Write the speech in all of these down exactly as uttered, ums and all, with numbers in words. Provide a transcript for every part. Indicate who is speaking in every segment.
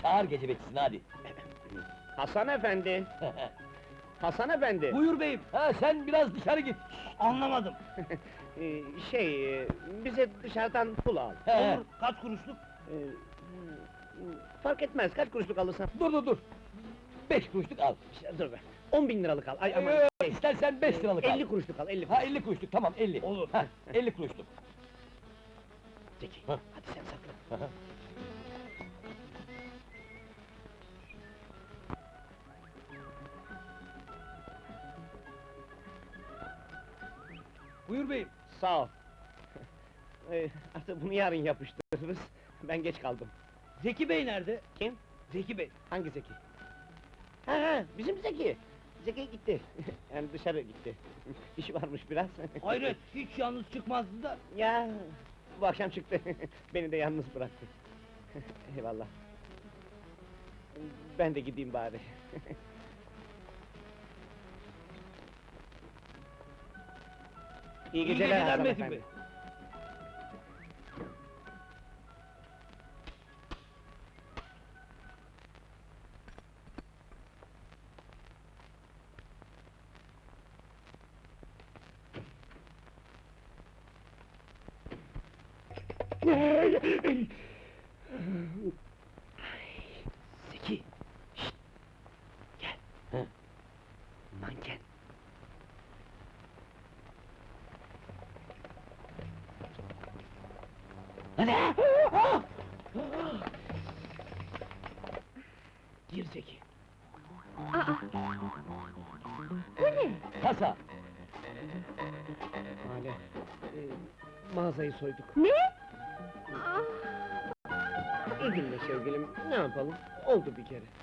Speaker 1: Çağır gece bekçisini hadi.
Speaker 2: Hasan efendi! Hasan efendi!
Speaker 1: Buyur beyim. Ha sen biraz dışarı git. Anlamadım.
Speaker 2: Ee, şey, e, bize dışarıdan pul al.
Speaker 1: He. Olur. Kaç kuruşluk?
Speaker 2: Ee, fark etmez, kaç kuruşluk alırsan.
Speaker 1: Dur dur dur. Beş kuruşluk al.
Speaker 2: Şey, dur be, on bin liralık al. Ay aman.
Speaker 1: Ee, istersen beş liralık al.
Speaker 2: elli kuruşluk al, elli
Speaker 1: Ha
Speaker 2: kuruş.
Speaker 1: elli kuruşluk tamam elli.
Speaker 2: Olur.
Speaker 1: Ha elli kuruşluk.
Speaker 2: Zeki,
Speaker 1: Ha.
Speaker 2: hadi sen sakla.
Speaker 1: Hı hı. Buyur beyim.
Speaker 2: Sağ ol. Ee, artık bunu yarın yapıştırırız. Ben geç kaldım.
Speaker 1: Zeki Bey nerede?
Speaker 2: Kim?
Speaker 1: Zeki Bey.
Speaker 2: Hangi Zeki? Ha ha, bizim Zeki. Zeki gitti. Yani dışarı gitti. İşi varmış biraz.
Speaker 1: Hayret, hiç yalnız çıkmazdı da.
Speaker 2: Ya, bu akşam çıktı. Beni de yalnız bıraktı. Eyvallah. Ben de gideyim bari. İyi geceler,
Speaker 1: geceler
Speaker 2: Hasan
Speaker 1: Metin
Speaker 2: efendi.
Speaker 1: Bey.
Speaker 2: Zeki! Şşt! Gel!
Speaker 1: Hı.
Speaker 2: Manken!
Speaker 1: Hadi!
Speaker 2: Gir Zeki!
Speaker 3: Aa! Bu ne?
Speaker 1: Kasa!
Speaker 2: Hale, e, mağazayı soyduk.
Speaker 3: Ne? Aa!
Speaker 2: Üzülme sevgilim, ne yapalım? Oldu bir kere.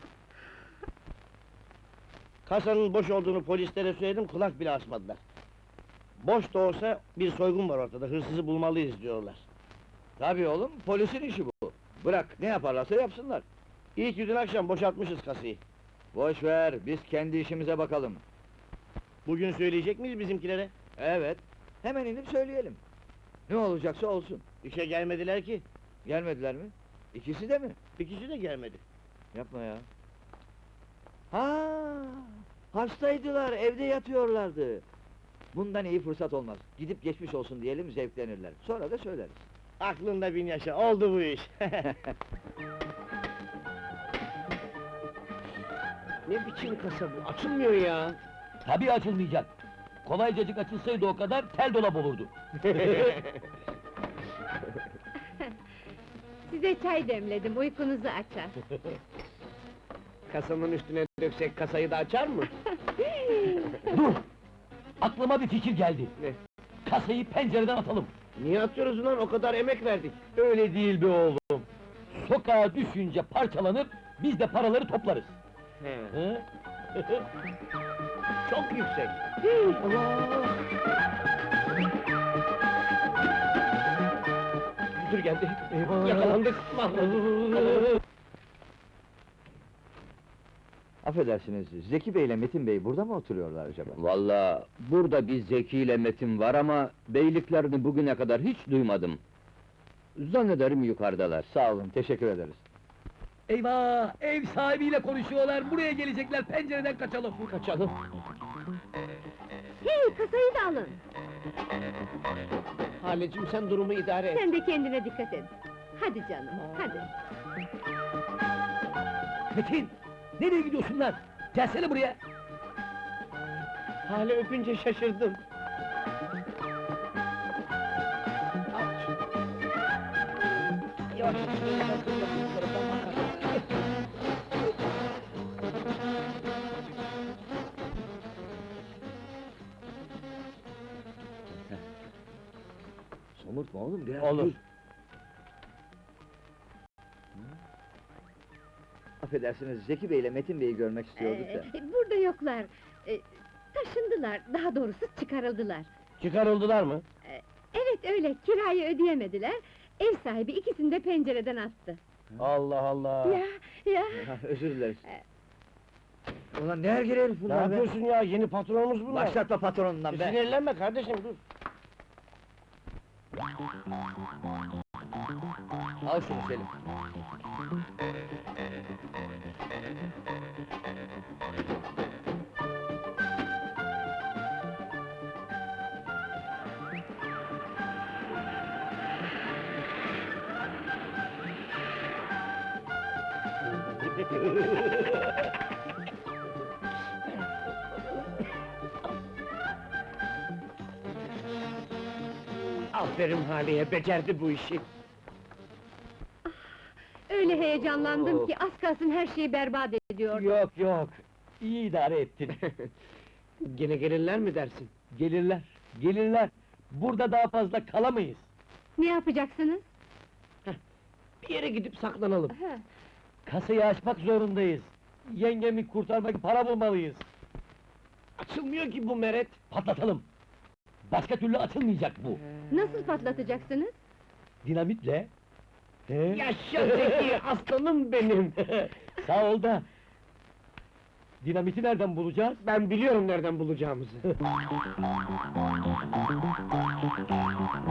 Speaker 2: Kasanın boş olduğunu polislere söyledim, kulak bile asmadılar. Boş da olsa bir soygun var ortada, hırsızı bulmalıyız diyorlar.
Speaker 1: Tabii oğlum, polisin işi bu. Bırak, ne yaparlarsa yapsınlar.
Speaker 2: İyi ki dün akşam boşaltmışız kasayı.
Speaker 1: Boş ver, biz kendi işimize bakalım.
Speaker 2: Bugün söyleyecek miyiz bizimkilere?
Speaker 1: Evet, hemen inip söyleyelim. Ne olacaksa olsun.
Speaker 2: İşe gelmediler ki,
Speaker 1: Gelmediler mi? İkisi de mi?
Speaker 2: ikisi de gelmedi.
Speaker 1: Yapma ya. Ha, hastaydılar, evde yatıyorlardı. Bundan iyi fırsat olmaz. Gidip geçmiş olsun diyelim, zevklenirler. Sonra da söyleriz.
Speaker 2: Aklında bin yaşa, oldu bu iş. Ne biçim kasa bu, açılmıyor ya!
Speaker 1: Tabii açılmayacak. Kolaycacık açılsaydı o kadar, tel dolap olurdu.
Speaker 3: Size çay demledim, uykunuzu açar.
Speaker 2: Kasanın üstüne döksek kasayı da açar mı?
Speaker 1: Dur! Aklıma bir fikir geldi.
Speaker 2: Ne?
Speaker 1: Kasayı pencereden atalım.
Speaker 2: Niye atıyoruz ulan, o kadar emek verdik?
Speaker 1: Öyle değil be oğlum. Sokağa düşünce parçalanır, biz de paraları toplarız.
Speaker 2: He.
Speaker 1: Hı?
Speaker 2: Çok yüksek!
Speaker 1: Allah!
Speaker 2: Müdür geldi,
Speaker 1: Eyvah!
Speaker 2: yakalandık, mahvolduk!
Speaker 4: Affedersiniz, Zeki Bey ile Metin Bey burada mı oturuyorlar acaba?
Speaker 5: Vallahi burada bir Zeki ile Metin var ama beyliklerini bugüne kadar hiç duymadım. Zannederim yukarıdalar.
Speaker 4: Sağ olun, teşekkür ederiz.
Speaker 1: Eyvah! Ev sahibiyle konuşuyorlar, buraya gelecekler, pencereden kaçalım!
Speaker 2: Kaçalım!
Speaker 3: Hey, kasayı da alın!
Speaker 2: Halecim, sen durumu idare et!
Speaker 3: Sen de kendine dikkat et. Hadi canım, hadi.
Speaker 1: Metin! Nereye gidiyorsun lan? Gelsene buraya!
Speaker 2: Hale öpünce şaşırdım! Yavaş!
Speaker 1: Somurtma oğlum, biraz
Speaker 4: Olur.
Speaker 1: dur.
Speaker 4: Affedersiniz, Zeki Bey ile Metin Bey'i görmek istiyorduk da.
Speaker 3: Ee, burada yoklar. Ee, taşındılar, daha doğrusu çıkarıldılar.
Speaker 2: Çıkarıldılar mı?
Speaker 3: Evet öyle, kirayı ödeyemediler. Ev sahibi ikisini de pencereden attı.
Speaker 2: Allah Allah!
Speaker 3: Ya, ya!
Speaker 4: Ha, özür dileriz.
Speaker 1: Ulan ne ergel herif
Speaker 2: Ne
Speaker 1: bunlar be!
Speaker 2: yapıyorsun ya, yeni patronumuz bunlar!
Speaker 4: Başlatma patronundan
Speaker 2: E,
Speaker 4: be!
Speaker 2: Sinirlenme kardeşim, dur!
Speaker 1: Al şunu Selim.
Speaker 2: Aferin Haliye, becerdi bu işi.
Speaker 3: Öyle heyecanlandım ki az kalsın her şeyi berbat ediyordum.
Speaker 6: Yok yok, iyi idare ettin.
Speaker 2: Gene gelirler mi dersin?
Speaker 6: Gelirler, gelirler. Burada daha fazla kalamayız.
Speaker 3: Ne yapacaksınız?
Speaker 2: Bir yere gidip saklanalım.
Speaker 3: Ha,
Speaker 6: Kasayı açmak zorundayız. Yengemi kurtarmak için para bulmalıyız.
Speaker 2: Açılmıyor ki bu meret.
Speaker 6: Patlatalım. Başka türlü açılmayacak bu.
Speaker 3: nasıl patlatacaksınız?
Speaker 6: Dinamitle. He?
Speaker 2: Yaşa Zeki, aslanım benim!
Speaker 6: Sağ ol da. Dinamiti nereden bulacağız?
Speaker 2: Ben biliyorum nereden bulacağımızı.